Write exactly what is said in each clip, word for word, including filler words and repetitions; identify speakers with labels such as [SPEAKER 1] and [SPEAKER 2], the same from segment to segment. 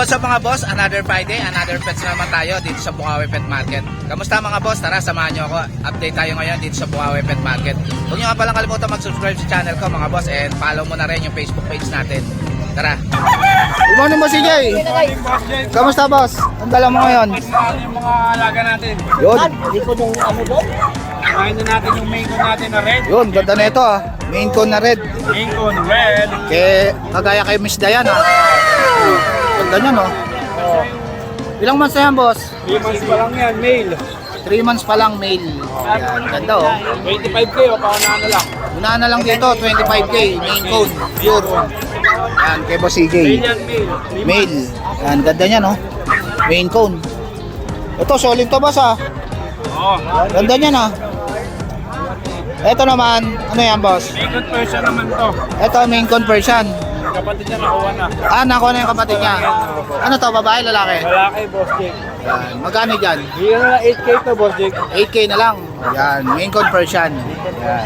[SPEAKER 1] What's up mga boss? Another Friday, another pets naman tayo dito sa Bukawi Pet Market. Kamusta mga boss? Tara, samahan nyo ako. Update tayo ngayon dito sa Bukawi Pet Market. Huwag nyo nga palang kalimutan mag-subscribe sa channel ko mga boss, and follow mo na rin yung Facebook page natin. Tara.
[SPEAKER 2] Good morning mo si Jay. Kamusta boss? Ang dala mo ngayon?
[SPEAKER 3] Yung mga alaga natin.
[SPEAKER 2] Yun.
[SPEAKER 3] Likod yung ano doon? Kumain na natin yung main cone natin na red.
[SPEAKER 2] Yun, ganda na ito ah. Main cone na red.
[SPEAKER 3] Main cone red.
[SPEAKER 2] Kaya kagaya kay Miss Dayan ah. Ganda niya no.
[SPEAKER 3] Oh.
[SPEAKER 2] Ilang months na yan boss?
[SPEAKER 3] three months pa lang yan, male.
[SPEAKER 2] three months pa lang male. Yan, ganda oh.
[SPEAKER 3] twenty-five K o pauna na lang.
[SPEAKER 2] Una na lang dito, twenty-five K. Main cone. Pure. Yan, kay Boss C J.
[SPEAKER 3] Male yan, male. Three
[SPEAKER 2] Male. Yan, ganda niya no. Main cone. Ito, solid to boss ah.
[SPEAKER 3] Oo.
[SPEAKER 2] Ganda niya na. Ito naman, ano yan boss?
[SPEAKER 3] Main cone person naman to.
[SPEAKER 2] Ito, main conversion.
[SPEAKER 3] Kapatid niya nakuha na.
[SPEAKER 2] Ah, nakuha na yung kapatid niya. Ano to, babae, lalaki?
[SPEAKER 3] Malaki, Boss Jake.
[SPEAKER 2] Yan. Magkano dyan?
[SPEAKER 3] Bigyan na lang eight K to, Boss Jake.
[SPEAKER 2] eight K na lang. Yan, main conversion. Yan.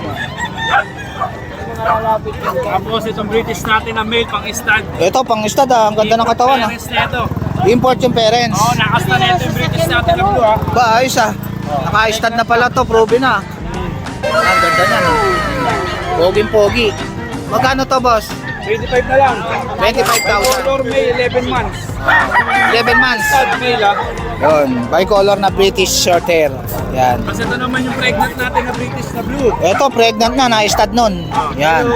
[SPEAKER 3] Tapos itong British natin na male pang stud.
[SPEAKER 2] Ito, pang stud ah. Ang ganda ng katawan ah.
[SPEAKER 3] Parents na ito.
[SPEAKER 2] Import yung parents.
[SPEAKER 3] Oo, nakasta na ito yung British natin na blue ha.
[SPEAKER 2] Ba, ayos ah. Naka-stud na pala to, proven na. Ang ganda niya no. Poging-pogi. Magkano to boss?
[SPEAKER 3] twenty-five na lang.
[SPEAKER 2] twenty-five thousand.
[SPEAKER 3] Color May eleven months.
[SPEAKER 2] eleven months.
[SPEAKER 3] Stud male ha.
[SPEAKER 2] Yun, bicolor na British short hair. Yan.
[SPEAKER 3] Kasi ito naman yung pregnant natin na British na blue.
[SPEAKER 2] Ito, pregnant na, na-stud nun. Yan.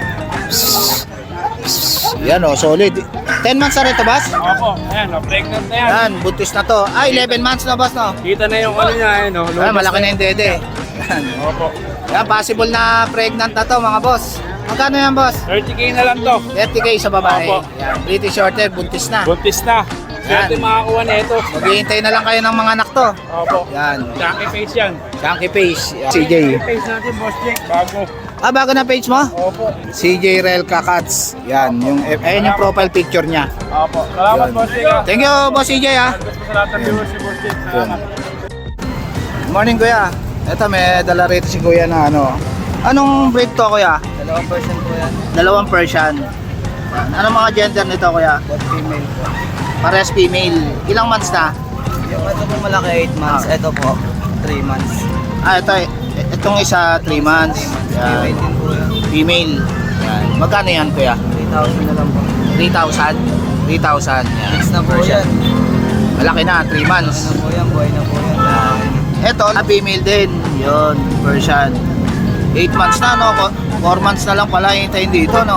[SPEAKER 2] Yan o, solid. ten months na rin to, boss?
[SPEAKER 3] Opo, ayan, oh, pregnant na yan.
[SPEAKER 2] Yan, buntis na to. Ay, eleven months na, boss, no?
[SPEAKER 3] Kita na yung ano niya, ano.
[SPEAKER 2] Ay, malaki na yung dede. Yan.
[SPEAKER 3] Opo.
[SPEAKER 2] Yan, possible na pregnant na to, mga boss. Magkano yan, boss?
[SPEAKER 3] thirty K na lang to.
[SPEAKER 2] thirty K sa babae.
[SPEAKER 3] Opo.
[SPEAKER 2] Yan, British short hair, buntis na.
[SPEAKER 3] Buntis na. Swerte makakuha na ito.
[SPEAKER 2] Maghihintay na lang kayo ng mga anak to.
[SPEAKER 3] Opo.
[SPEAKER 2] Yan,
[SPEAKER 3] Chunky face yan.
[SPEAKER 2] Chunky face. Yan. C J.
[SPEAKER 3] Chunky face natin, Boss Jake. Bago.
[SPEAKER 2] Ah, bago na page mo?
[SPEAKER 3] Opo.
[SPEAKER 2] C J Relka Cats. Yan, yung, ayun yung profile picture niya.
[SPEAKER 3] Opo. Salamat,
[SPEAKER 2] Yan.
[SPEAKER 3] Boss Jake. ha.
[SPEAKER 2] Thank you, boss C J, ah.
[SPEAKER 3] Gusto sa lahat ng viewers si Boss Jake. Salamat.
[SPEAKER 2] Good morning, kuya. Ito, may dala rito si kuya na ano. Anong breed to, kuya?
[SPEAKER 4] Dalawang person po yan.
[SPEAKER 2] Dalawang Persian. Anong mga gender nito, kuya?
[SPEAKER 4] Both female po.
[SPEAKER 2] Pares female. Ilang months na?
[SPEAKER 4] Yung ito po malaki eight months. Ito po three months.
[SPEAKER 2] Ah, ito, itong isa three months.
[SPEAKER 4] Female
[SPEAKER 2] Yan.
[SPEAKER 4] din po yan.
[SPEAKER 2] Female. Yan. Magkano yan, kuya?
[SPEAKER 4] three thousand na lang po.
[SPEAKER 2] three thousand? three thousand. Yan.
[SPEAKER 4] Mix na po
[SPEAKER 2] Persian.
[SPEAKER 4] yan.
[SPEAKER 2] Malaki na, three months.
[SPEAKER 4] Ano po yan, boy na po yan.
[SPEAKER 2] Ito, na female din. Yun, Persian. eight months na, no? four months na lang pala hintayin dito, no?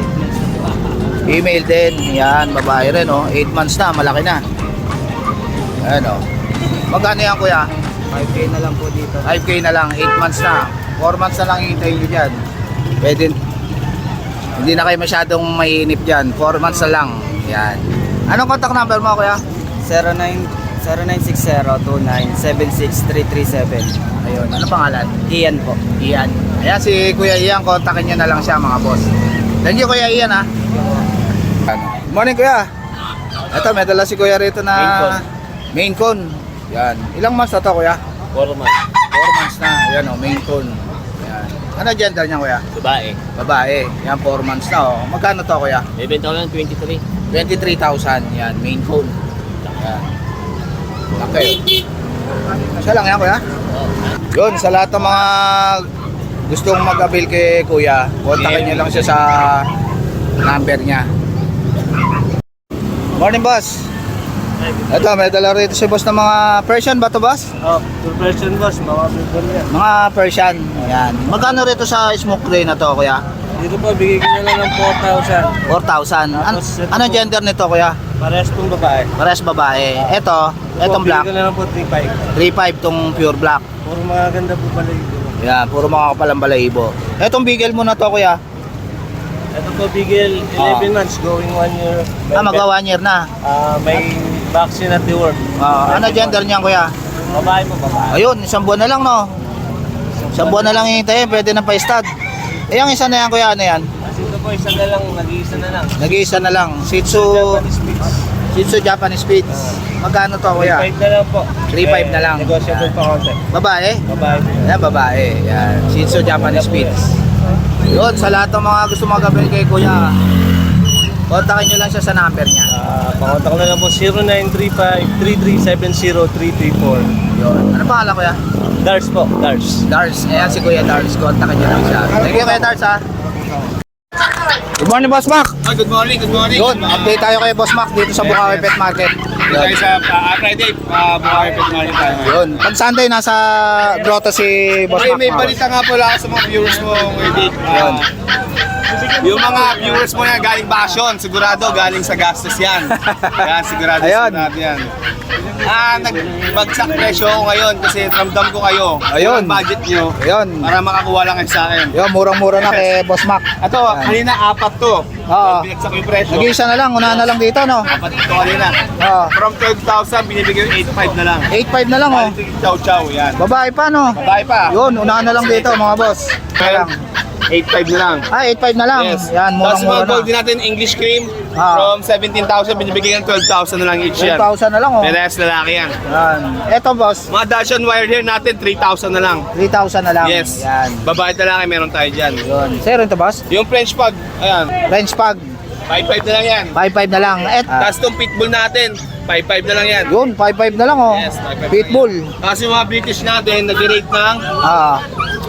[SPEAKER 2] Female din. Yan, babae rin, no? eight months na, malaki na. Ayan, no? Magkano yan, kuya?
[SPEAKER 4] five K na lang po dito.
[SPEAKER 2] five K na lang, eight months na. four months na lang hintayin nyo dyan. Pwede, hindi na kayo masyadong mainip dyan. four months na lang. Yan. Anong contact number mo, kuya?
[SPEAKER 4] zero nine six zero two nine seven six three three seven.
[SPEAKER 2] Ayun, ano pangalan?
[SPEAKER 4] Ian po.
[SPEAKER 2] Ian. Ayan si Kuya Ian, kontakin nyo na lang siya mga boss. Thank you Kuya Ian ha. Good morning Kuya. Ito may dala si Kuya rito na main cone. Yan. Ilang months na to Kuya?
[SPEAKER 3] four months.
[SPEAKER 2] four months na. Yan o, main cone. Yan. Ano gender niya Kuya?
[SPEAKER 3] Babae.
[SPEAKER 2] Babae. Yan, four months na o. Magkano to Kuya?
[SPEAKER 3] Bebenta ko lang twenty-three.
[SPEAKER 2] twenty-three thousand. Yan, main cone. Yan. Okay. Siya lang yan Kuya? Yun, sa lahat ng mga gustong mag-avail kay Kuya, kontakin niyo lang siya sa number niya. Morning, boss. Ito, may dala rito si boss ng mga Persian ba to, boss?
[SPEAKER 3] Oh, two person boss, mga people yan.
[SPEAKER 2] Mga Persian. Ayan. Magkano rito sa smoke gray na to, Kuya?
[SPEAKER 3] Dito po, bigay ko na lang ng four thousand.
[SPEAKER 2] four thousand. An ano gender nito, Kuya?
[SPEAKER 3] Parehas pong babae.
[SPEAKER 2] Pares babae. Ito, etong black.
[SPEAKER 3] Bigay ko na lang po three five.
[SPEAKER 2] three five tong pure black.
[SPEAKER 3] Puro mga ganda po pala ito.
[SPEAKER 2] Yan, puro mga kapalang balahibo. Etong bigel mo na to, Kuya.
[SPEAKER 3] Ito po, Bigel, eleven months, going one year.
[SPEAKER 2] Ah, magwa one year na.
[SPEAKER 3] Ah, may vaccine at the work.
[SPEAKER 2] Ah, ano gender niyan, Kuya?
[SPEAKER 3] Babae po, babae.
[SPEAKER 2] Ayun, isang buwan na lang, no? Isang buwan na lang hintayin, pwede na pa-stud. Eh, yung isa na yan, Kuya, ano yan?
[SPEAKER 3] Kasi ito po, isa na lang, nag-iisa na lang.
[SPEAKER 2] Nag-iisa na lang. Shih Tzu,
[SPEAKER 3] Japanese Spitz.
[SPEAKER 2] Shih Tzu Japanese Spitz. Magkano to, Kuya?
[SPEAKER 3] three five na lang po.
[SPEAKER 2] three five na lang.
[SPEAKER 3] Negotiable pa konti.
[SPEAKER 2] Babae?
[SPEAKER 3] Babae po.
[SPEAKER 2] Yan, babae. Yan, Shih Tzu Japanese Spitz. Yun, sa lahat ng mga gusto mag-avail kay Kuya, Kontakin nyo lang siya sa number niya.
[SPEAKER 3] Ah, pakontak na lang po zero nine three five, three three seven zero, three three four.
[SPEAKER 2] Yun. Ano pangalan kuya?
[SPEAKER 3] Dars po, Dars.
[SPEAKER 2] Dars. Ayan si Kuya Dars. Kontakin nyo lang siya. Thank you Kuya Dars ha. Good morning Boss Mac.
[SPEAKER 3] Ah, good morning, good morning.
[SPEAKER 2] Yun, update tayo kay Boss Mac dito sa Bukawi Pet Market.
[SPEAKER 3] Dito tayo sa uh, Friday, uh, Bukawi Pet Market tayo.
[SPEAKER 2] Yun. Pag Sunday, nasa grotto si Boss
[SPEAKER 3] May,
[SPEAKER 2] Mac.
[SPEAKER 3] may
[SPEAKER 2] mga
[SPEAKER 3] balita nga pala ako sa mga viewers mo, Wendy.
[SPEAKER 2] Yun.
[SPEAKER 3] Yung mga viewers mo yan galing Basyon, sigurado galing sa gastos yan. Yan, sigurado
[SPEAKER 2] Ayun.
[SPEAKER 3] sigurado yan. Ah, nagbagsak presyo ako ngayon kasi ramdam ko kayo.
[SPEAKER 2] Ayun.
[SPEAKER 3] Ang budget nyo
[SPEAKER 2] boss. Yun.
[SPEAKER 3] para makakuha lang kayo sa akin.
[SPEAKER 2] Yun, murang-mura na kay Boss Mac.
[SPEAKER 3] Ito, kanina apat to.
[SPEAKER 2] Oo.
[SPEAKER 3] Binagsak ko yung presyo.
[SPEAKER 2] Nag-isa na lang, una na lang dito, no?
[SPEAKER 3] Apat ito kanina.
[SPEAKER 2] Oo.
[SPEAKER 3] From twelve thousand, binibigay yung eight five na lang.
[SPEAKER 2] eight five na lang, oh.
[SPEAKER 3] Quality chow chow, yan.
[SPEAKER 2] Babae pa, no?
[SPEAKER 3] Babae pa.
[SPEAKER 2] Yun, una na lang dito, mga boss. Kaya lang.
[SPEAKER 3] eight five na lang.
[SPEAKER 2] Ah, eight five na lang.
[SPEAKER 3] Yes.
[SPEAKER 2] Yan,
[SPEAKER 3] Tapos
[SPEAKER 2] murang-mura
[SPEAKER 3] mga gold
[SPEAKER 2] na.
[SPEAKER 3] din natin, English cream.
[SPEAKER 2] Ah.
[SPEAKER 3] From seventeen thousand, binibigay ng twelve thousand na lang each
[SPEAKER 2] twelve
[SPEAKER 3] yan.
[SPEAKER 2] thousand na lang, oh.
[SPEAKER 3] Perez lalaki yan.
[SPEAKER 2] Yan. Eto, boss.
[SPEAKER 3] Mga Dacian wire hair natin, three thousand na lang.
[SPEAKER 2] three thousand na lang.
[SPEAKER 3] Yes.
[SPEAKER 2] Yan.
[SPEAKER 3] Babae lalaki, meron tayo dyan.
[SPEAKER 2] Yun. Sir, ito, boss?
[SPEAKER 3] Yung French pug, ayan,
[SPEAKER 2] French Pug.
[SPEAKER 3] five five na lang yan.
[SPEAKER 2] five five na lang. Et, ah,
[SPEAKER 3] Tapos itong pitbull natin, five five na lang yan.
[SPEAKER 2] yun, five five na lang, oh.
[SPEAKER 3] Yes, five five
[SPEAKER 2] Pitbull.
[SPEAKER 3] Kasi yung mga British natin, nag-rate ng
[SPEAKER 2] Ah.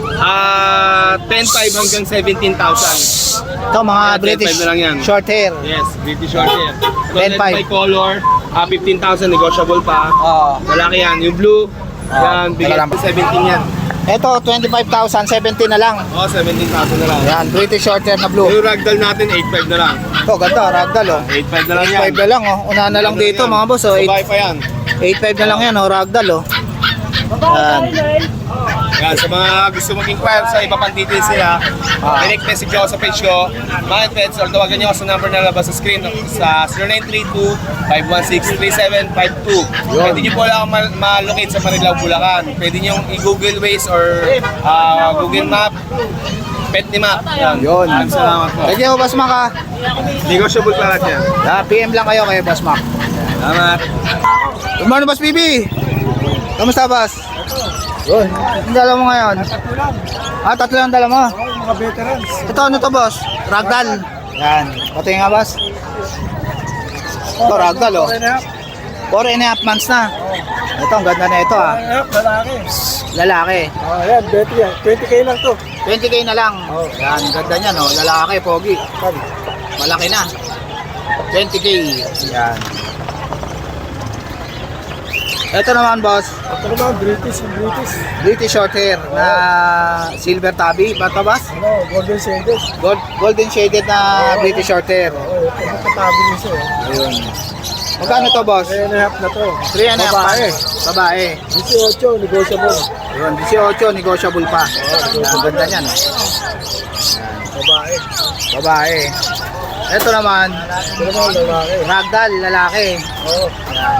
[SPEAKER 3] ah ten five hanggang seventeen thousand.
[SPEAKER 2] Ito, mga
[SPEAKER 3] Yeah,
[SPEAKER 2] British
[SPEAKER 3] ten five na lang yan.
[SPEAKER 2] short hair.
[SPEAKER 3] Yes, British short hair.
[SPEAKER 2] ten five.
[SPEAKER 3] By color, ah fifteen thousand, negotiable pa.
[SPEAKER 2] Oh.
[SPEAKER 3] Lalaki yan. Yung blue,
[SPEAKER 2] Ah,
[SPEAKER 3] yan, bigay
[SPEAKER 2] talaga.
[SPEAKER 3] ko seventeen yan.
[SPEAKER 2] Ito, twenty-five thousand, seventeen na lang.
[SPEAKER 3] Oh, seventeen thousand na lang.
[SPEAKER 2] Yan, British short hair na blue.
[SPEAKER 3] Yung ragdoll natin, eight five na lang.
[SPEAKER 2] Ito, ganda, ragdoll, oh.
[SPEAKER 3] eight five na lang
[SPEAKER 2] eight
[SPEAKER 3] yan.
[SPEAKER 2] five na lang, oh. Una na lang
[SPEAKER 3] Ano
[SPEAKER 2] dito,
[SPEAKER 3] yan?
[SPEAKER 2] mga boss, oh.
[SPEAKER 3] Babae pa yan.
[SPEAKER 2] eight five na lang yan, oh, ragdoll, oh. Yan.
[SPEAKER 3] Yan, sa mga gusto mag-inquire sa iba pang details nila,
[SPEAKER 2] Ah.
[SPEAKER 3] direct message ako sa page ko, Mind Pets, or tawagan niyo ako sa number na labas sa screen sa zero nine three two, five one six, three seven five two.
[SPEAKER 2] Yun.
[SPEAKER 3] Pwede niyo po lang ma- ma-locate sa Marilao, Bulacan. Pwede niyo i-Google Waze or ah, Google Map, Pet ni Map. Yan.
[SPEAKER 2] Yun.
[SPEAKER 3] Maraming salamat po.
[SPEAKER 2] Thank you, Boss Mac, ah.
[SPEAKER 3] Negotiable pa lahat yan.
[SPEAKER 2] Ah, P M lang kayo kay Boss Mac.
[SPEAKER 3] Salamat.
[SPEAKER 2] Good morning, Boss Bibi. Kamusta, Boss? Yun. Ang dala mo ngayon? Ah, tatlo lang dala mo.
[SPEAKER 3] Mga veterans.
[SPEAKER 2] Ito, ano to, Boss? Ragdoll. Yan. Pati nga, Boss. Ito, ragdoll, oh. Four and a half months na. Ito, ang ganda na ito, ah.
[SPEAKER 3] Lalaki.
[SPEAKER 2] Lalaki.
[SPEAKER 3] Oh, yan, twenty yan. twenty K lang to.
[SPEAKER 2] twenty K na lang. Yan, ganda niya, no? Lalaki, pogi. Malaki na. twenty K. Yan. Ito naman, boss.
[SPEAKER 3] Ito naman, British, British.
[SPEAKER 2] British short hair na silver tabby. Ba ito, boss?
[SPEAKER 3] Ano, golden shaded.
[SPEAKER 2] Gold, golden shaded na British short hair.
[SPEAKER 3] Oh, ito nakatabi niya siya.
[SPEAKER 2] Ayun. Magkano to, boss?
[SPEAKER 3] three and a half na to.
[SPEAKER 2] three and a half.
[SPEAKER 3] Babae.
[SPEAKER 2] Babae.
[SPEAKER 3] eighteen, negotiable.
[SPEAKER 2] Ayun, eighteen, negotiable pa. Yan, ang ganda niya, no?
[SPEAKER 3] Babae.
[SPEAKER 2] Babae. Ito naman,
[SPEAKER 3] Ito naman, lalaki.
[SPEAKER 2] ragdoll, lalaki.
[SPEAKER 3] Oo.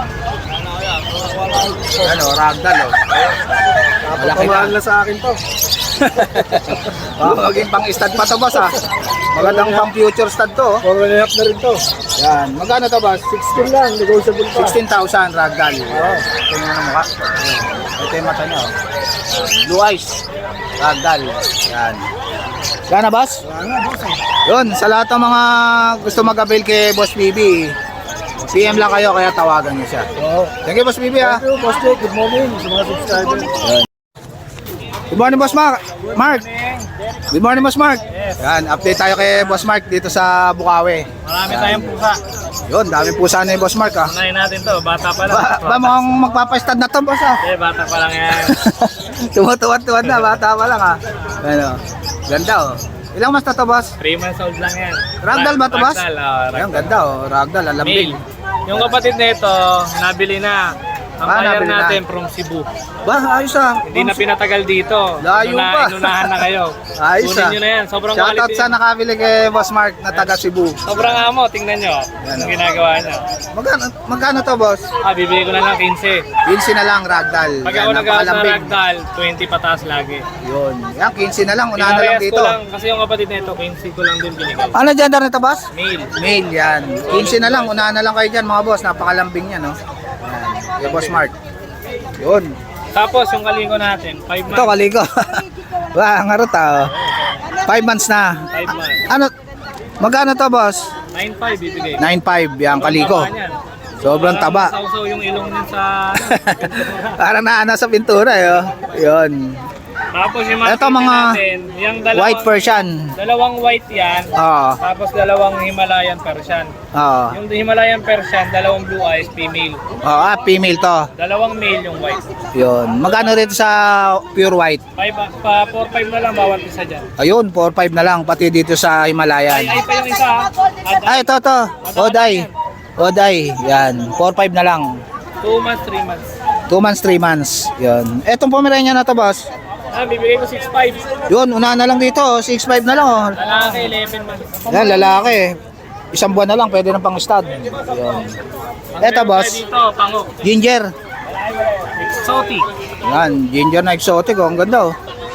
[SPEAKER 2] Ano, ragdoll, oh. Malaki na.
[SPEAKER 3] Napapamahal na sa akin to.
[SPEAKER 2] Oh, maging pang stud pa to, boss, ah. Magandang pang future stud to, oh.
[SPEAKER 3] four and a half na rin to.
[SPEAKER 2] Yan. Magkano to, boss?
[SPEAKER 3] sixteen lang, negotiable pa.
[SPEAKER 2] sixteen thousand ragdoll. Ito yung ano mukha. Ito yung mata niya, oh. Blue eyes. Ragdoll. Yan. Yan na, boss?
[SPEAKER 3] Wala nga, boss. eh.
[SPEAKER 2] Yun, sa lahat ng mga gusto mag-avail kay Boss B B, P M lang kayo, kaya tawagan niyo siya.
[SPEAKER 3] Oo.
[SPEAKER 2] Thank you, Boss B B, ah.
[SPEAKER 3] Thank you, Boss Jake. Good morning sa mga subscribers.
[SPEAKER 2] Good morning, Boss Mark. Mark. Good morning, Boss Mark. Yan, update tayo kay Boss Mark dito sa Bukawi.
[SPEAKER 5] Marami tayong pusa.
[SPEAKER 2] Yun, dami po sana yung Boss Mark, ah.
[SPEAKER 5] Unahin natin to, bata pa lang.
[SPEAKER 2] Ba, ba mukhang magpapastad na to, boss, ah.
[SPEAKER 5] Eh, bata pa lang yan.
[SPEAKER 2] Tumutuwad-tuwad na, bata pa lang, ah. Ano, ganda, oh. Ilang mas na to, boss?
[SPEAKER 5] three months old lang yan.
[SPEAKER 2] Ragdoll ba to, boss?
[SPEAKER 5] Ragdoll, oh,
[SPEAKER 2] Ayun,
[SPEAKER 5] ragdoll.
[SPEAKER 2] ganda, oh. Ragdoll, alambing.
[SPEAKER 5] Male. Yung kapatid nito, nabili na. Ang
[SPEAKER 2] Ah,
[SPEAKER 5] buyer
[SPEAKER 2] nabili na.
[SPEAKER 5] natin from Cebu.
[SPEAKER 2] Ba, ayos, ah.
[SPEAKER 5] Hindi na pinatagal dito.
[SPEAKER 2] Layo
[SPEAKER 5] Inuna-
[SPEAKER 2] pa.
[SPEAKER 5] Inunahan na kayo.
[SPEAKER 2] Ayos,
[SPEAKER 5] Kunin
[SPEAKER 2] ah.
[SPEAKER 5] nyo na yan. Sobrang
[SPEAKER 2] Shoutout
[SPEAKER 5] quality.
[SPEAKER 2] sa nakabili kay Boss Mark na taga Cebu.
[SPEAKER 5] Sobrang amo, tingnan nyo.
[SPEAKER 2] Yan,
[SPEAKER 5] Ang
[SPEAKER 2] oh.
[SPEAKER 5] ginagawa nyo.
[SPEAKER 2] Magkano, magkano to, boss?
[SPEAKER 5] Ah, bibili ko na lang fifteen.
[SPEAKER 2] quince na lang, ragdoll.
[SPEAKER 5] Pag
[SPEAKER 2] Yan,
[SPEAKER 5] ako nag-out ng
[SPEAKER 2] napakalambing.
[SPEAKER 5] ragdoll, twenty pataas lagi.
[SPEAKER 2] Yun. Yan, quince na lang. Unahan na lang
[SPEAKER 5] Pinarehas
[SPEAKER 2] dito.
[SPEAKER 5] ko lang, kasi yung kapatid nito, fifteen ko lang din binigay.
[SPEAKER 2] Ano gender nito, boss?
[SPEAKER 5] Male.
[SPEAKER 2] Male, yan. quince na lang. Unahan na lang kayo dyan, mga boss. Napakalambing yan, no? Yan. Yung Boss Mark. Yun.
[SPEAKER 5] Tapos yung kalingo natin, five
[SPEAKER 2] Ito,
[SPEAKER 5] months.
[SPEAKER 2] kaligo. Wah, ang harot, ah. Five months na.
[SPEAKER 5] five months.
[SPEAKER 2] Ano? Magkano to, boss?
[SPEAKER 5] nine five bibigay.
[SPEAKER 2] nine five, yan, kaliko.
[SPEAKER 5] Taba niyan.
[SPEAKER 2] Sobrang
[SPEAKER 5] Parang
[SPEAKER 2] taba.
[SPEAKER 5] Sausaw yung ilong niyan sa...
[SPEAKER 2] Parang naana sa pintura, eh. Oh. Yun.
[SPEAKER 5] Tapos yung mga
[SPEAKER 2] Ito, mga
[SPEAKER 5] natin, yung dalawang,
[SPEAKER 2] White Persian.
[SPEAKER 5] Dalawang white yan.
[SPEAKER 2] Oo.
[SPEAKER 5] Tapos dalawang Himalayan Persian.
[SPEAKER 2] Oo.
[SPEAKER 5] Yung Himalayan Persian, dalawang blue eyes, female.
[SPEAKER 2] Oo, ah, female to.
[SPEAKER 5] Dalawang male yung white.
[SPEAKER 2] Yun. Magkano rito sa pure white?
[SPEAKER 5] Five, pa four five na lang bawat isa dyan.
[SPEAKER 2] Ayun, four five na lang, pati dito sa
[SPEAKER 5] Ay,
[SPEAKER 2] Himalayan.
[SPEAKER 5] ay pa yung isa ha. Ad-
[SPEAKER 2] Ay, ito, ito. Oday. Oday. Yan. four five na lang.
[SPEAKER 5] Two months, three months.
[SPEAKER 2] two months, three months. Yun. Etong Pomeranian na to, boss.
[SPEAKER 5] Ah, bibigay ko six five.
[SPEAKER 2] Yun, una na lang dito. six five na lang, oh.
[SPEAKER 5] Lalaki, eleven months.
[SPEAKER 2] Yan, lalaki. Isang buwan na lang, pwede ng pang-stud. Yun. Eto, boss.
[SPEAKER 5] Dito, pango.
[SPEAKER 2] Ginger.
[SPEAKER 5] Exotic.
[SPEAKER 2] Yan, ginger na exotic, oh. Ang ganda, oh.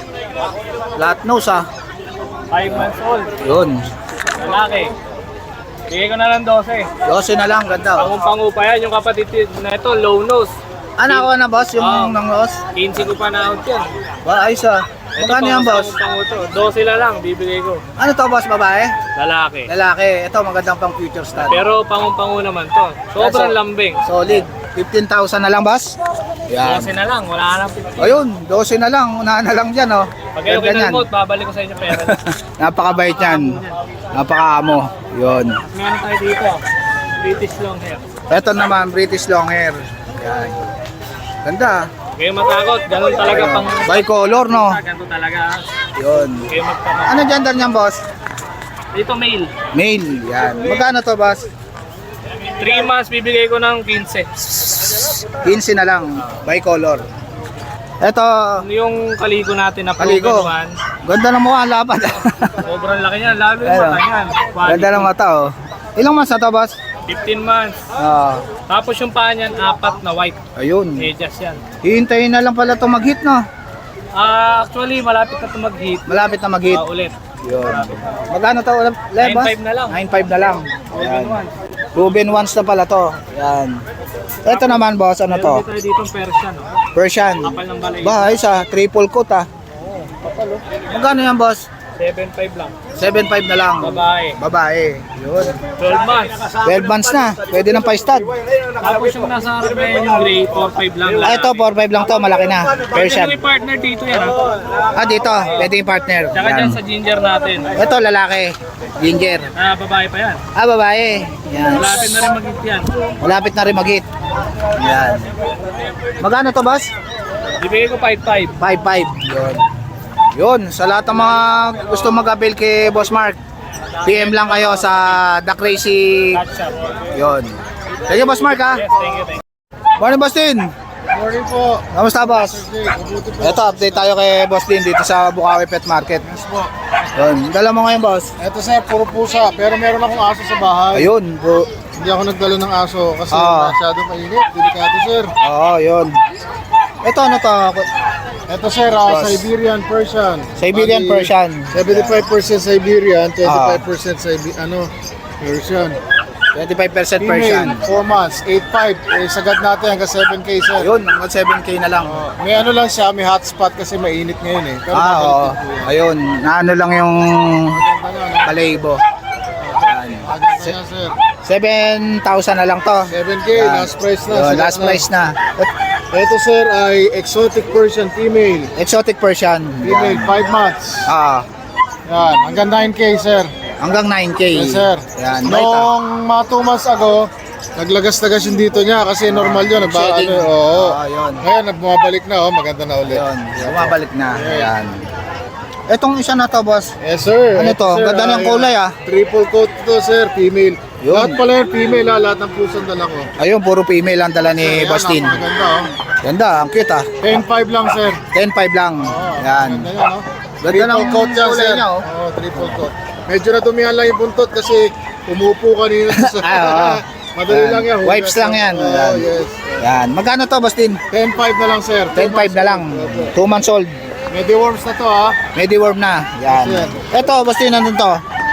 [SPEAKER 2] Lahat nose, ah.
[SPEAKER 5] five months old.
[SPEAKER 2] Yun.
[SPEAKER 5] Lalaki. Bigay ko na lang twelve.
[SPEAKER 2] twelve na lang, ganda, oh.
[SPEAKER 5] Pango-pango pa yan. Yung kapatid na ito, low nose.
[SPEAKER 2] Ano ako na, boss? Yung
[SPEAKER 5] Ah.
[SPEAKER 2] nang nose?
[SPEAKER 5] quince ko pa na out yan.
[SPEAKER 2] Ba, ayos, ah. Magkano yan, boss?
[SPEAKER 5] Pango to. twelve na lang, bibigay ko.
[SPEAKER 2] Ano to, boss? Babae?
[SPEAKER 5] Lalaki.
[SPEAKER 2] Lalaki. Ito, magandang pang future stud.
[SPEAKER 5] Pero pango-pango naman to. Sobrang
[SPEAKER 2] So-
[SPEAKER 5] lambing.
[SPEAKER 2] Solid. fifteen thousand na lang, boss? Yan.
[SPEAKER 5] twelve na lang, wala na lang.
[SPEAKER 2] Ayun, twelve na lang. Unahan na lang dyan, oh.
[SPEAKER 5] Pag kayo
[SPEAKER 2] Ganda niyan.
[SPEAKER 5] kinalmot, babalik ko sa inyo pera.
[SPEAKER 2] Napakabait yan. Napakaamo. Yun.
[SPEAKER 5] Meron tayo dito. British long hair.
[SPEAKER 2] Ito naman, British long hair. Yan. Ganda.
[SPEAKER 5] Kayo matakot, ganun talaga pang...
[SPEAKER 2] Bicolor, no?
[SPEAKER 5] Ganun talaga.
[SPEAKER 2] Yun.
[SPEAKER 5] Kayo magtakot.
[SPEAKER 2] Ano gender niyan, boss?
[SPEAKER 5] Dito male.
[SPEAKER 2] Male. Yan. Magkano to, boss?
[SPEAKER 5] three months bibigay ko ng quince.
[SPEAKER 2] quince na lang. Bicolor. Ito,
[SPEAKER 5] Yung kaligo natin na
[SPEAKER 2] Kaligo.
[SPEAKER 5] proven one,
[SPEAKER 2] ganda ng mukha, lapad.
[SPEAKER 5] sobrang laki niyan, lalo yung
[SPEAKER 2] Ayun.
[SPEAKER 5] mata niyan.
[SPEAKER 2] Ganda ng mata, oh. Ilang months na to, boss?
[SPEAKER 5] fifteen months.
[SPEAKER 2] Ah,
[SPEAKER 5] Tapos yung paa niyan, apat na white.
[SPEAKER 2] ayun.
[SPEAKER 5] Medyas yan.
[SPEAKER 2] Hihintayin na lang pala ito mag-hit, no?
[SPEAKER 5] Ah, actually, malapit na ito mag-hit.
[SPEAKER 2] Malapit na mag-hit.
[SPEAKER 5] Ah, ulit.
[SPEAKER 2] Yun. Magkano to ulit, boss?
[SPEAKER 5] nine five na lang.
[SPEAKER 2] nine five na lang.
[SPEAKER 5] Proven
[SPEAKER 2] Yan.
[SPEAKER 5] one.
[SPEAKER 2] Proven once na pala to. Yan. Ito naman, boss, ano to?
[SPEAKER 5] Meron tayo dito Persian. Oh.
[SPEAKER 2] Persian.
[SPEAKER 5] Kapal ng balay.
[SPEAKER 2] Ba, ayos ah. Triple coat ah. Magkano yan, boss?
[SPEAKER 5] seven five lang.
[SPEAKER 2] seven five na lang.
[SPEAKER 5] Babae.
[SPEAKER 2] Babae. Yun.
[SPEAKER 5] twelve months.
[SPEAKER 2] twelve months na. Pwede ng pa-stud.
[SPEAKER 5] Tapos yung nasa harap na yan, yung gray, four five lang.
[SPEAKER 2] Ah, ito, four five lang to. Malaki na.
[SPEAKER 5] Pwede
[SPEAKER 2] Persian.
[SPEAKER 5] may partner dito yan. Ha?
[SPEAKER 2] Ah, dito. Pwede yung partner.
[SPEAKER 5] Tsaka
[SPEAKER 2] Yan.
[SPEAKER 5] dyan sa ginger natin.
[SPEAKER 2] Ito, lalaki. Ginger.
[SPEAKER 5] Ah, babae pa yan.
[SPEAKER 2] Ah, babae. Yan.
[SPEAKER 5] Malapit na rin mag-hit yan.
[SPEAKER 2] Malapit na rin mag-hit. Yan. Magkano to, boss?
[SPEAKER 5] Ibigay ko five five.
[SPEAKER 2] five five. Yun. Yun, sa lahat ng mga gusto mag-avail kay Boss Mark, P M lang kayo sa The Crazy.
[SPEAKER 5] Catch up.
[SPEAKER 2] Yun. Thank you, Boss Mark, ha?
[SPEAKER 5] Yes, thank you, thank you.
[SPEAKER 2] Morning, Boss Tin.
[SPEAKER 6] Morning po.
[SPEAKER 2] Kamusta, Boss? Ito, update tayo kay Boss Tin dito sa Bukawi Pet Market.
[SPEAKER 6] Yes po.
[SPEAKER 2] Yun, dala mo ngayon, Boss.
[SPEAKER 6] Eto sir, puro pusa. Pero meron akong aso sa bahay.
[SPEAKER 2] Ayun, bro.
[SPEAKER 6] Hindi ako nagdala ng aso kasi
[SPEAKER 2] Ah.
[SPEAKER 6] masyadong mainit. Delikado sir.
[SPEAKER 2] Oo, yun. Ito, ano to?
[SPEAKER 6] Eto sir, ah,
[SPEAKER 2] Boss.
[SPEAKER 6] Siberian Persian.
[SPEAKER 2] Siberian
[SPEAKER 6] Bali,
[SPEAKER 2] Persian.
[SPEAKER 6] seventy-five percent Siberian,
[SPEAKER 2] Ah.
[SPEAKER 6] twenty-five percent Sibe- ano, Persian.
[SPEAKER 2] twenty-five percent Persian.
[SPEAKER 6] Female, four months, eight five. Eh, sagad natin hanggang seven K sir.
[SPEAKER 2] Ayun, hanggang seven K na lang.
[SPEAKER 6] Oh, may ano lang siya, may hotspot kasi mainit ngayon eh. Pero
[SPEAKER 2] Ah,
[SPEAKER 6] mabalik
[SPEAKER 2] oo.
[SPEAKER 6] din po yan.
[SPEAKER 2] Ayun, naano lang yung
[SPEAKER 6] Maganda yan, no?
[SPEAKER 2] balaybo. Yan.
[SPEAKER 6] Maganda yan sir.
[SPEAKER 2] seven thousand na lang to.
[SPEAKER 6] seven K,
[SPEAKER 2] Yan.
[SPEAKER 6] last price na.
[SPEAKER 2] Yun,
[SPEAKER 6] sagad
[SPEAKER 2] last
[SPEAKER 6] na.
[SPEAKER 2] price na.
[SPEAKER 6] Ito sir ay exotic Persian female.
[SPEAKER 2] Exotic Persian.
[SPEAKER 6] Female,
[SPEAKER 2] Yan.
[SPEAKER 6] five months.
[SPEAKER 2] Ah,
[SPEAKER 6] Yan, hanggang nine K sir.
[SPEAKER 2] hanggang nine K.
[SPEAKER 6] Yes sir.
[SPEAKER 2] Yan, bait ah.
[SPEAKER 6] Noong mga two months ago, naglagas-lagas yung dito niya kasi normal yun. Nagba,
[SPEAKER 2] Shedding.
[SPEAKER 6] ano, oo.
[SPEAKER 2] Ah, yun.
[SPEAKER 6] Ngayon, bumabalik na, oh, maganda na ulit.
[SPEAKER 2] Yun, bumabalik na. Yan. Etong isa na to, boss.
[SPEAKER 6] Yes sir.
[SPEAKER 2] Ano to?
[SPEAKER 6] Sir,
[SPEAKER 2] Ganda ng
[SPEAKER 6] ay,
[SPEAKER 2] kulay, ah.
[SPEAKER 6] Triple coat to sir, female.
[SPEAKER 2] Yun.
[SPEAKER 6] Lahat pala yung female ha, lahat ng pusang dala ko.
[SPEAKER 2] Ayun, puro female ang dala ni
[SPEAKER 6] Ayan,
[SPEAKER 2] Boss Tin.
[SPEAKER 6] napakaganda oh.
[SPEAKER 2] Ganda, ang cute ah.
[SPEAKER 6] ten five lang sir.
[SPEAKER 2] ten five lang.
[SPEAKER 6] Oo,
[SPEAKER 2] Yan.
[SPEAKER 6] Ganda yan oh.
[SPEAKER 2] Ganda
[SPEAKER 6] Triple
[SPEAKER 2] ng
[SPEAKER 6] coat yan
[SPEAKER 2] kulay
[SPEAKER 6] sir.
[SPEAKER 2] niya, oh.
[SPEAKER 6] Oo, triple coat. Medyo natumihan lang yung buntot kasi umupo kanina sa...
[SPEAKER 2] Ah, oo.
[SPEAKER 6] Madali
[SPEAKER 2] Yan.
[SPEAKER 6] lang yan. hugas
[SPEAKER 2] Wipes lang yan.
[SPEAKER 6] Oo,
[SPEAKER 2] Yan.
[SPEAKER 6] yes.
[SPEAKER 2] Yan. Magkano to, Boss Tin?
[SPEAKER 6] ten five na lang sir.
[SPEAKER 2] ten five na lang. two months old.
[SPEAKER 6] Mediworms na to ha.
[SPEAKER 2] Mediworm na. Yan.
[SPEAKER 6] Yes,
[SPEAKER 2] Ito, Boss Tin, nandun to.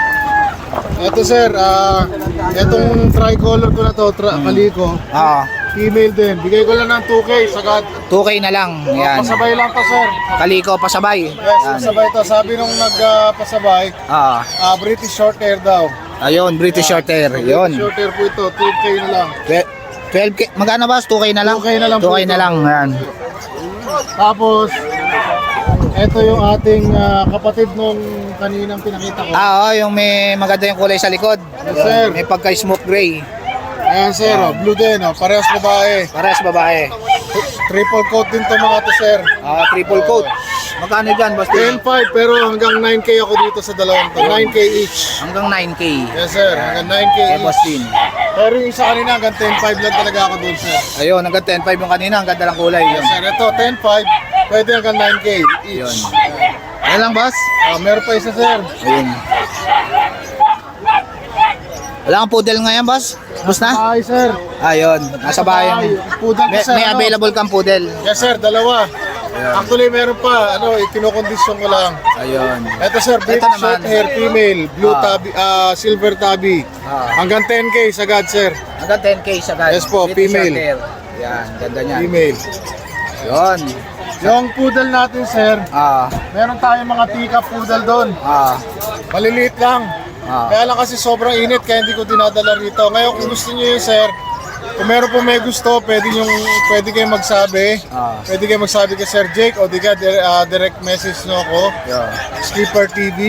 [SPEAKER 6] Ito sir, ah, itong tricolor ko na to, tra- kaliko.
[SPEAKER 2] Ah,
[SPEAKER 6] Female din. Bigay ko lang ng two K sagad.
[SPEAKER 2] two K na lang. Yan.
[SPEAKER 6] Pasabay lang to sir.
[SPEAKER 2] Kaliko pasabay.
[SPEAKER 6] Yes,
[SPEAKER 2] Yan.
[SPEAKER 6] pasabay to. Sabi nung nagpasabay,
[SPEAKER 2] Ah,
[SPEAKER 6] ah, British short hair daw.
[SPEAKER 2] Ayun, British short hair. Yun.
[SPEAKER 6] Short hair po ito, two K na lang.
[SPEAKER 2] twelve K. Magkano boss? two K na lang?
[SPEAKER 6] two K na lang
[SPEAKER 2] two K
[SPEAKER 6] po
[SPEAKER 2] na
[SPEAKER 6] ito.
[SPEAKER 2] lang. Yan.
[SPEAKER 6] Tapos, ito yung ating ah, kapatid nung kaninang pinakita ko.
[SPEAKER 2] Ah, oh, yung may maganda yung kulay sa likod.
[SPEAKER 6] Yes, sir.
[SPEAKER 2] May pagka-smoke gray.
[SPEAKER 6] Ayan sir, oh, blue din, oh, parehas babae.
[SPEAKER 2] Parehas babae.
[SPEAKER 6] Triple coat din to mga to sir.
[SPEAKER 2] Ah, triple coat. Magkano dyan, boss?
[SPEAKER 6] ten five pero hanggang nine K ako dito sa dalawang to. nine K each.
[SPEAKER 2] Hanggang nine K.
[SPEAKER 6] Yes sir, hanggang nine K
[SPEAKER 2] Kay
[SPEAKER 6] each.
[SPEAKER 2] boss din.
[SPEAKER 6] Pero yung isa kanina hanggang ten five lang talaga ako doon sir.
[SPEAKER 2] Ayun, hanggang ten five yung kanina. Ang ganda ng kulay.
[SPEAKER 6] Yes
[SPEAKER 2] Yun.
[SPEAKER 6] sir, ito ten five, pwede hanggang nine K each.
[SPEAKER 2] Yun. Yan lang, boss.
[SPEAKER 6] Ah, meron pa isa sir.
[SPEAKER 2] Ayun. Wala kang poodle ngayon, boss? Boss na?
[SPEAKER 6] Ay sir.
[SPEAKER 2] Ayun, nasa bahay.
[SPEAKER 6] Ay, poodle
[SPEAKER 2] May,
[SPEAKER 6] ka sir.
[SPEAKER 2] may
[SPEAKER 6] ano?
[SPEAKER 2] available kang poodle.
[SPEAKER 6] Yes sir, dalawa. Actually meron pa, ano, kinokondisyon ko lang.
[SPEAKER 2] Ayun.
[SPEAKER 6] Ito sir, British
[SPEAKER 2] naman.
[SPEAKER 6] short hair female, blue
[SPEAKER 2] Ah.
[SPEAKER 6] tabby, ah, silver tabby.
[SPEAKER 2] Ah.
[SPEAKER 6] Hanggang ten K sagad sir,
[SPEAKER 2] Hanggang ten K siya, guys.
[SPEAKER 6] Yes po,
[SPEAKER 2] British
[SPEAKER 6] female.
[SPEAKER 2] short hair. Yan, ganda niyan.
[SPEAKER 6] female.
[SPEAKER 2] Yun.
[SPEAKER 6] Yung poodle natin sir,
[SPEAKER 2] Ah,
[SPEAKER 6] meron tayong mga teacup poodle doon.
[SPEAKER 2] ah,
[SPEAKER 6] Maliliit lang.
[SPEAKER 2] ah.
[SPEAKER 6] Kaya lang kasi sobrang init kaya hindi ko dinadala rito. Ngayon kung gusto niyo yun sir, kung meron po may gusto, pwede yung pwede kayo magsabi.
[SPEAKER 2] Ah.
[SPEAKER 6] Pwede kayo magsabi kay Sir Jake o di ka dire- ah, direct message nyo ako.
[SPEAKER 2] Yun.
[SPEAKER 6] Skipper T V.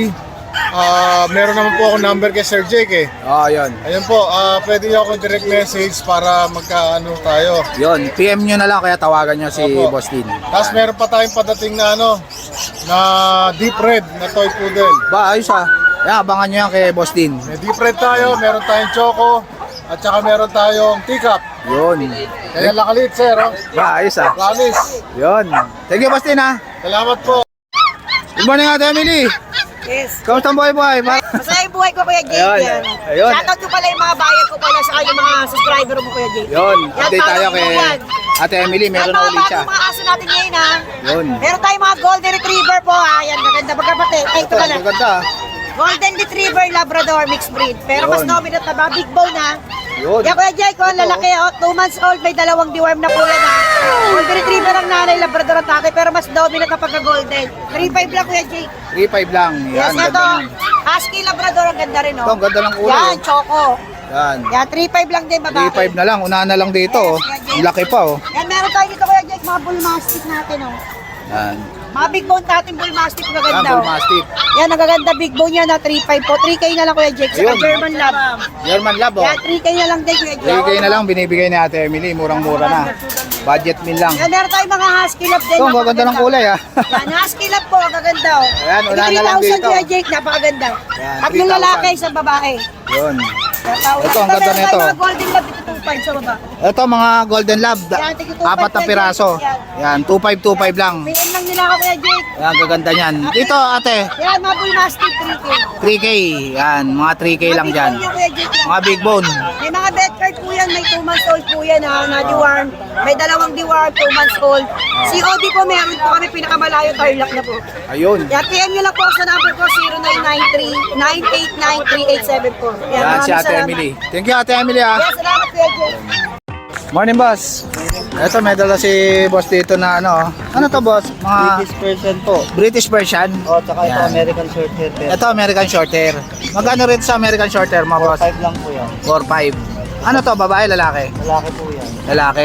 [SPEAKER 6] Ah, meron naman po ako number kay Sir Jake eh.
[SPEAKER 2] Oh, yun.
[SPEAKER 6] Ayun po, ah, pwede niyo ako direct message para magkaano tayo.
[SPEAKER 2] Yun, P M nyo na lang kaya tawagan nyo si
[SPEAKER 6] Opo.
[SPEAKER 2] Boss Din.
[SPEAKER 6] Tapos meron pa tayong padating na ano, na deep red na toy poodle.
[SPEAKER 2] Ba, ayos ah. Yan, abangan nyo yan kay Boss Din.
[SPEAKER 6] May deep red tayo, meron tayong choco, at saka meron tayong teacup.
[SPEAKER 2] Yun.
[SPEAKER 6] Kaya lakalit sir, oh.
[SPEAKER 2] Ba, ayos ah.
[SPEAKER 6] Promise.
[SPEAKER 2] Yun. Thank you, Boss Din ah.
[SPEAKER 6] Salamat po.
[SPEAKER 2] Good morning, Ate Emily.
[SPEAKER 7] Yes.
[SPEAKER 2] Kamusta ang buhay-buhay? Ma-
[SPEAKER 7] Masaya yung buhay ko, Kuya Jake.
[SPEAKER 2] Ayun.
[SPEAKER 7] Yan.
[SPEAKER 2] Ayun.
[SPEAKER 7] Shoutout ko pala yung mga bayan ko pala sa yung mga subscriber mo, Kuya Jake.
[SPEAKER 2] Yun,
[SPEAKER 7] Yan,
[SPEAKER 2] update tayo
[SPEAKER 7] follow
[SPEAKER 2] kay
[SPEAKER 7] mo yan.
[SPEAKER 2] Ate Emily. Meron
[SPEAKER 7] Yan,
[SPEAKER 2] na
[SPEAKER 7] mga
[SPEAKER 2] ulit siya.
[SPEAKER 7] bagong mga aso natin ngayon, ha.
[SPEAKER 2] Yun.
[SPEAKER 7] Meron tayong mga golden retriever po, ha. Yan, maganda magkapatid. Ay, ito
[SPEAKER 2] Ito,
[SPEAKER 7] pala.
[SPEAKER 2] ang ganda.
[SPEAKER 7] Golden retriever, Labrador, mixed breed. Pero mas
[SPEAKER 2] Yun.
[SPEAKER 7] dominant na ba? Big bone, ha.
[SPEAKER 2] Yun.
[SPEAKER 7] Yan, Kuya Jake, oh, lalaki, oh. Two months old, may dalawang deworm na po yan, ha. Golden retriever ang nanay, Labrador ang tatay, pero mas dominant na pagka-golden. three five lang, Kuya Jake.
[SPEAKER 2] three five lang.
[SPEAKER 7] Yes,
[SPEAKER 2] Yan,
[SPEAKER 7] ito.
[SPEAKER 2] ganda nun.
[SPEAKER 7] Husky Labrador, ang ganda rin, oh.
[SPEAKER 2] Ito, ang ganda ng ulo.
[SPEAKER 7] Yan, choco.
[SPEAKER 2] Yan.
[SPEAKER 7] Yan, three five lang din, babae.
[SPEAKER 2] three five na lang. Unahan na lang dito. Oh. Ang laki pa oh.
[SPEAKER 7] Yan, meron tayo dito, Kuya Jake, mga bull mastiff natin, oh.
[SPEAKER 2] Yan.
[SPEAKER 7] Mga big bone natin, bull mastiff,
[SPEAKER 2] Yan,
[SPEAKER 7] magaganda,
[SPEAKER 2] bull
[SPEAKER 7] oh.
[SPEAKER 2] mastiff.
[SPEAKER 7] Yan, nagaganda, big bone yan, na three five po. three K na lang, Kuya Jake. Saka
[SPEAKER 2] Ayun.
[SPEAKER 7] German Lab.
[SPEAKER 2] German Lab oh.
[SPEAKER 7] Yan, three K na lang din, Kuya Jake.
[SPEAKER 2] three K na lang binibigay ni Ate Emily. Murang-mura na. Budget meal lang.
[SPEAKER 7] Yan, meron tayong mga husky lab din.
[SPEAKER 2] Ito, ang gaganda ng kulay ah.
[SPEAKER 7] Yan, husky lab po, ang gaganda, oh.
[SPEAKER 2] Ayan, unahan na lang
[SPEAKER 7] three thousand,
[SPEAKER 2] dito.
[SPEAKER 7] Kuya Jake, napakaganda.
[SPEAKER 2] Yan,
[SPEAKER 7] Tatlong
[SPEAKER 2] three thousand.
[SPEAKER 7] lalaki, isang babae.
[SPEAKER 2] Yun.
[SPEAKER 7] Ito,
[SPEAKER 2] Ito, ang ganda
[SPEAKER 7] meron tayong
[SPEAKER 2] nito.
[SPEAKER 7] mga golden lab dito, two five sa baba.
[SPEAKER 2] Ito mga Golden Lab. da-
[SPEAKER 7] Yan, tigil two five
[SPEAKER 2] Apat na
[SPEAKER 7] yan,
[SPEAKER 2] piraso.
[SPEAKER 7] yan.
[SPEAKER 2] Yan, two five two five lang.
[SPEAKER 7] P M lang nila ako, Kuya Jake.
[SPEAKER 2] Yan, gaganda niyan. Dito ate,
[SPEAKER 7] Yan, mga bull mastiff, three K.
[SPEAKER 2] three K. Yan, mga three K lang
[SPEAKER 7] Mga
[SPEAKER 2] dyan.
[SPEAKER 7] big bone yan, Kuya Jake, yan.
[SPEAKER 2] Mga big bone.
[SPEAKER 7] May mga vet card po yan, may two months old po yan ha, na deworm. May dalawang deworm, two months old. C O D po, meron po kami pinakamalayo, Tarlac na po.
[SPEAKER 2] Ayun.
[SPEAKER 7] Yan, P M nyo lang po sa number ko, zero nine nine three, nine eight nine, three eight seven four.
[SPEAKER 2] Yan si
[SPEAKER 7] maraming
[SPEAKER 2] Ate
[SPEAKER 7] salamat.
[SPEAKER 2] Emily. Thank you Ate Emily ah.
[SPEAKER 7] Yan, salamat Kuya Jake.
[SPEAKER 2] Morning boss. Ito may dala si boss dito na ano. Ano to boss? Mga
[SPEAKER 4] British version po.
[SPEAKER 2] British version.
[SPEAKER 4] O, tsaka ito
[SPEAKER 2] Yan.
[SPEAKER 4] American short hair pair.
[SPEAKER 2] Ito American Shorthair. Magkano rin sa American Shorthair mga boss?
[SPEAKER 4] five lang po yan.
[SPEAKER 2] four five. Ano to, babae, lalaki?
[SPEAKER 4] Lalaki po yan.
[SPEAKER 2] Lalaki.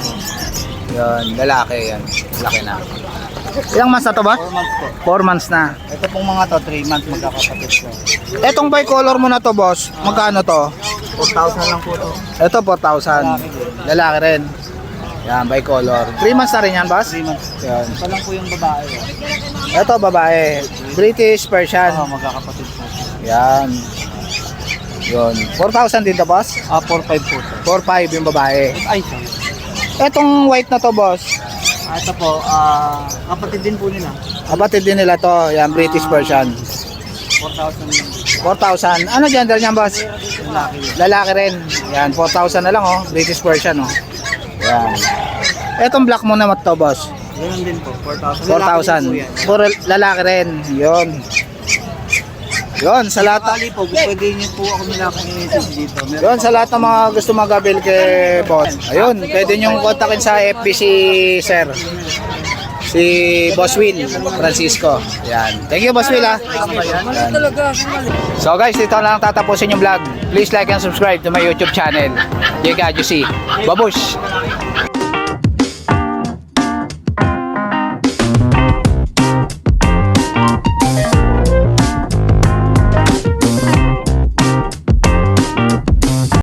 [SPEAKER 2] Yun, lalaki yan. Laki na. Ilang months na to ba?
[SPEAKER 4] four months po.
[SPEAKER 2] four months na.
[SPEAKER 4] Ito pong mga to, three months magkakapatid po.
[SPEAKER 2] Etong bicolor mo na to boss, magkano to?
[SPEAKER 4] four thousand lang po to.
[SPEAKER 2] Ito four thousand.
[SPEAKER 4] Lalaki din.
[SPEAKER 2] Lalaki rin. Yan, bicolor. three months na rin yan boss?
[SPEAKER 4] three months.
[SPEAKER 2] Yan.
[SPEAKER 4] Ito lang po yung babae. oh.
[SPEAKER 2] Ito babae. British Persian.
[SPEAKER 4] Oo, magkakapatid po.
[SPEAKER 2] Yan. Yun. four thousand din to boss?
[SPEAKER 4] Ah, four five po to.
[SPEAKER 2] four five yung babae.
[SPEAKER 4] Ay, sorry.
[SPEAKER 2] Etong white na to boss,
[SPEAKER 4] Ah, ito po, ah, kapatid din po nila.
[SPEAKER 2] kapatid din nila to. Yan, British Persian.
[SPEAKER 4] four thousand lang.
[SPEAKER 2] four thousand. Ano gender niyan boss?
[SPEAKER 4] Lalaki.
[SPEAKER 2] Lalaki rin. Yan, four thousand na lang oh. British Persian oh. Yan. Etong black mo naman to boss.
[SPEAKER 4] Ganun din po, four thousand.
[SPEAKER 2] four thousand. For lalaki rin. Yun. Yun, sa lahat
[SPEAKER 4] Bali po, pwede niyo po ako nila kung i-message dito. Meron
[SPEAKER 2] Yun, sa lahat ng mga gusto magabil kay boss. Ayun, pwede nyo kontakin sa F B si Sir. si Boss Will Francisco. Yan. Thank you, Boss Will, ha. Yan. So guys, dito lang tatapusin yung vlog. Please like and subscribe to my YouTube channel. J K Adjusi. Babush!